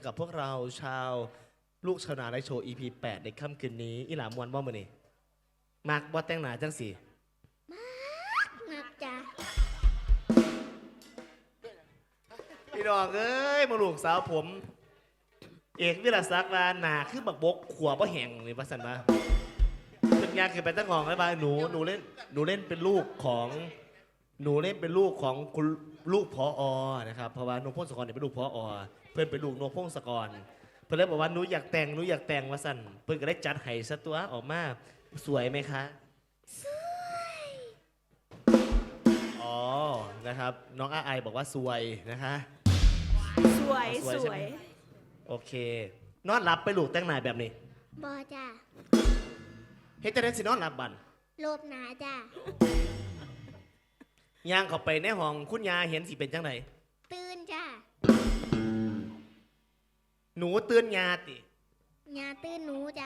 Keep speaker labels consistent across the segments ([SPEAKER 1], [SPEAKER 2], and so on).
[SPEAKER 1] กับพวกเราชาวลูกชาวนาในโชว์ EP 8ในค่ำคืนนี้อีหลามวนบ่มื้อนี้มักบ่แต่งหน้าจังสิ
[SPEAKER 2] งับจ้ะ
[SPEAKER 1] พี่น้องเอ้ยมาลูกสาวผมเอกวิรศักดิ์ว่าหน้าคือบักบกขัวบ่แห้งนี่ว่าซั่นว่าเพิ่นยากขึ้นไปตั้งของแล้วว่าหนูเล่นเป็นลูกของคุณลูกผอ.นะครับเพราะว่านพพงศกรเนี่ยเป็นลูกผอ.เพื่อนเป็นลูกนพพงศกรเพื่อนเลยบอกว่าหนูอยากแต่งว่าสั่นเพื่อนก็ได้จัดให้ซะตัวออกมาสวยไหมคะ
[SPEAKER 2] สวย
[SPEAKER 1] อ๋อนะครับน้องอาไอบอกว่าสวยนะคะ
[SPEAKER 3] สวย
[SPEAKER 1] โอเค นอนหลับไปลูกแต่งหน้าแบบนี้
[SPEAKER 2] บอจ้ะ
[SPEAKER 1] เฮ็ดจะได้สินอนหลับบัน
[SPEAKER 2] โลบหนาจ้ะ
[SPEAKER 1] ย่างเข้าไปในห้องคุณยาเห็นสิเป็นจังไหน
[SPEAKER 2] ตื่นจ้ะ
[SPEAKER 1] หนูตื่นยาติ
[SPEAKER 2] ยาตื่นหนูจ้ะ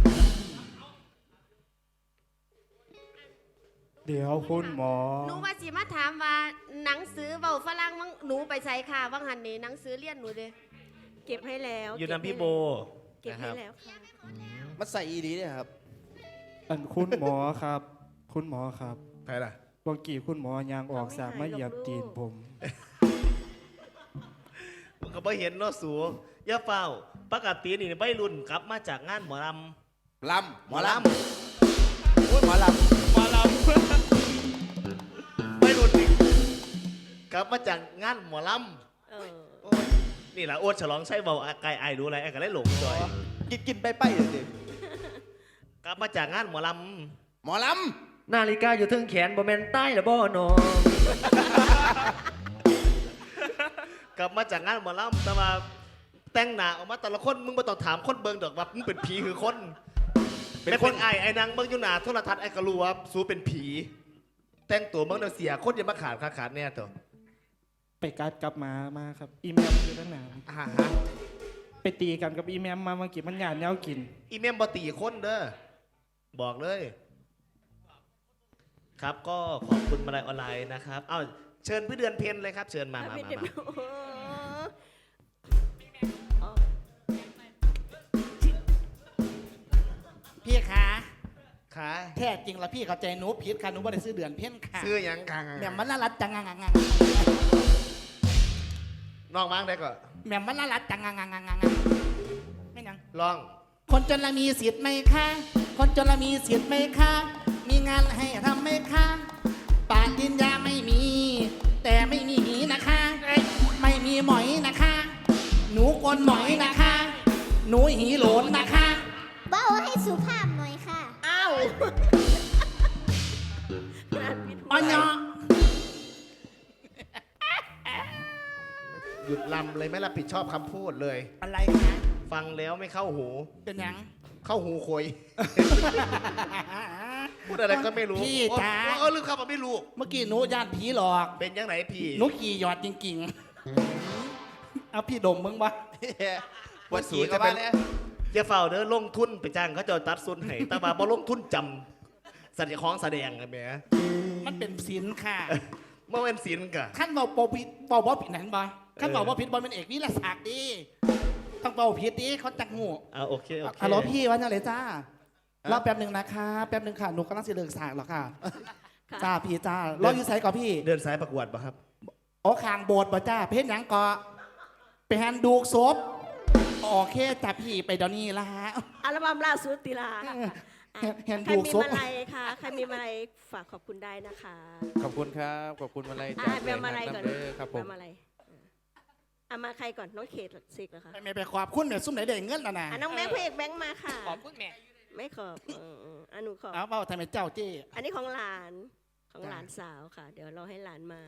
[SPEAKER 4] เดี๋ยวคุณหมอ
[SPEAKER 3] หนูว่าสิมาถามว่าหนังสือเบาฝรั่งมั้งหนูไปใส่ค่ะว่างหันนี่หนังสือเรียนหนูเด้เก็บให้แล้ว
[SPEAKER 1] อยู่นำพี่โบ
[SPEAKER 3] เก็บให้แล้วค่ะ
[SPEAKER 5] มันใส่อีดีเนี่ยครับ
[SPEAKER 4] อันคุณหมอครับ คุณหมอครับ
[SPEAKER 1] ใครล่ะ
[SPEAKER 4] บางกี่คุณหมอยางออกสากมาเหยียบตีนผม
[SPEAKER 1] มันก็ไม่เห็นเนาะสูย่าเฝ้าปกตินี่ไม่รุ่นกลับมาจากงานหมอลำ
[SPEAKER 5] หมอลำโอ้ยหมอลำ
[SPEAKER 1] ไม่รุ่นนี่กลับมาจากงานหมอลำนี่แหละอ้วนฉลองใช้เบาไกลไอดูอะไรไอ้ก็เลยหลงจอย
[SPEAKER 5] กินไปเลยสิ
[SPEAKER 1] กลับมาจากงานหมอล
[SPEAKER 5] ำ
[SPEAKER 6] นาฬิกาอยู่ทึงแขนบ่แม่นใต้หรือบ่นอง
[SPEAKER 1] กลับมาจากงานหมอลำแต่ว่าแต่งหน้าออกมาแต่ละคนมึงมาต้องถามคนเบิ่งดอกว่ามึงเป็นผีคือคนเป็นคนไอ้นางเบิ่งอยู่หน้าโทรทัศน์ไอ้ก็รู้ว่าสู้เป็นผีแต่งตัวเบิ่งเสียคนจะมาขาดแน่ตัว
[SPEAKER 4] ไปกัดกลับมาครับอีแมมอยู่ตั้งนานไปตีกันกับอีแมมมาเมื่อกี้มันหยาดแนวกิน
[SPEAKER 1] อีแมมบ่ตีคนเด้อบอกเลยครับก็ขอบคุณมาลัยออนไลน์นะครับเอาเชิญพี่เดือนเพ็ญเลยครับเชิญมา
[SPEAKER 5] พี่คะ
[SPEAKER 1] ค่ะ
[SPEAKER 5] แท้จริงละพี่เข้าใจหนูผิดค่ะหนูไม่ได้ซื้อเดือนเพ็ญค่ะ
[SPEAKER 1] ซื้อยังกัง
[SPEAKER 5] แม่มันน่ารักจังงัง
[SPEAKER 1] น้องมั้งได้ก็
[SPEAKER 5] แม่มันน่ารักจังงังไม่ยัง
[SPEAKER 1] ลอง
[SPEAKER 5] คนจนละมีสิทธิ์ไหมคะคนจนละมีสิทธิ์ไหมคะมีงานให้ทำไหมคะปาดินยาไม่มีแต่ไม่มีหีนะคะไม่มีหมอยนะคะหนูกลหมอยนะคะหนูหีโหลนนะคะ
[SPEAKER 2] เบ้าให้สุภาพหน่อยค่ะ
[SPEAKER 5] อ้าวอันยอ
[SPEAKER 1] หยุดลำเลยไม่รับผิดชอบคำพูดเลย
[SPEAKER 5] อะไรนะ
[SPEAKER 1] ฟังแล้วไม่เข้าหู
[SPEAKER 5] เป็นยัง
[SPEAKER 1] เข้าหูคอยพูดอะไรก็ไม่รู้
[SPEAKER 5] พี่จ๋า
[SPEAKER 1] ลืมคำว่าไม่รู้
[SPEAKER 5] เมื่อกี้หนูญาติผีหลอก
[SPEAKER 1] เป็นยังไงพี่
[SPEAKER 5] หนูขี่หยอดจริงๆเอาพี่ดมมึงวะ
[SPEAKER 1] ปวดสีจะเป็นอย่าเฝ้าเด้อลงทุนไปจ้างเขาจะตัดซุนให้แต่ว่าพอลงทุนจำสัญญาของแสดงอะไรไหม
[SPEAKER 5] มันเป็นศิลป์ค่ะ
[SPEAKER 1] เมื่อเป็นศิลป์กะ
[SPEAKER 5] ขั้นเบาเบาผิดเบาผิดนั่นบ่ขั้นเบาผิดบอลเป็นเอกวิลศักดิ์ดีต้องเบาผิดดิเขาจักงู
[SPEAKER 1] โอเค
[SPEAKER 5] ฮัลโหลพี่วันอะไรจ้ารอแป๊บหนึ่งนะคะแป๊บหนึ่งค่ะหนูกำลังจะเลิกสากหรอค่ะจ้าพี่จ้ารออยู่ไซก่อพี่
[SPEAKER 1] เดินสายประกวดป่ะครับ
[SPEAKER 5] โอ้คางโบดป่ะจ้าเพชรยังก่อไปแฮนดูศพโอเคจับพี่ไปเดี๋ยวนี้ละฮะ
[SPEAKER 3] อัลบั้มล่าสุดติลา
[SPEAKER 5] แฮนดูศพ
[SPEAKER 3] ใครมีมาลัยค่ะใครมีมาลัยฝากขอบคุณได้นะคะ
[SPEAKER 6] ขอบคุณครับขอบคุณมาลัย
[SPEAKER 3] จากแม่มาลัยก่อน
[SPEAKER 6] ครับผม
[SPEAKER 3] มาลัยมาใครก่อนน้องเขตสิกเหรอคะ
[SPEAKER 5] ไม่ไปขอบคุณเนี่ยซุ่มไหนเด้เงินนะ
[SPEAKER 3] น้องแม่พระเอกแบงค์มาค่ะ
[SPEAKER 5] ขอบคุณแม่
[SPEAKER 3] ไม่ขอบหนูขอบ
[SPEAKER 5] เอาเปล่าทำไมเจ้าเจ้
[SPEAKER 3] อันนี้ของหลานสาวค่ะเดี๋ยวเราให้หลานมา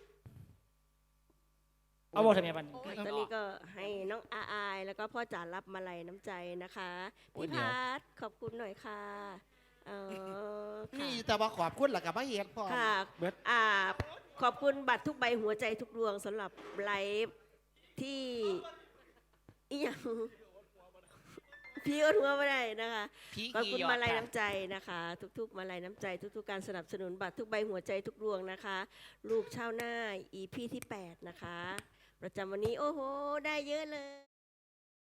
[SPEAKER 5] เอาบอกทำไมบัน
[SPEAKER 3] ตอนนี้ก็ให้น้องอายแล้วก็พ่อจ๋ารับมาลัยน้ำใจนะคะพี่พัดขอบคุณหน่อยค่ะ
[SPEAKER 5] นี่แต่ว่าขอบคุณหลักกับพระเอกพ่อ
[SPEAKER 3] ค่ะขอบคุณบัตรทุกใบหัวใจทุกดวงสำหรับไลฟ์ที่อีหยังพี่ก็ทัวไม่ได้นะคะขอบคุณมาลัยน้ำใจนะคะทุกๆมาลัยน้ำใจทุกๆการสนับสนุนบัตรทุกใบหัวใจทุกดวงนะคะลูกชาวนา EP ที่ 8นะคะประจำวันนี้โอ้โหได้เยอะเลย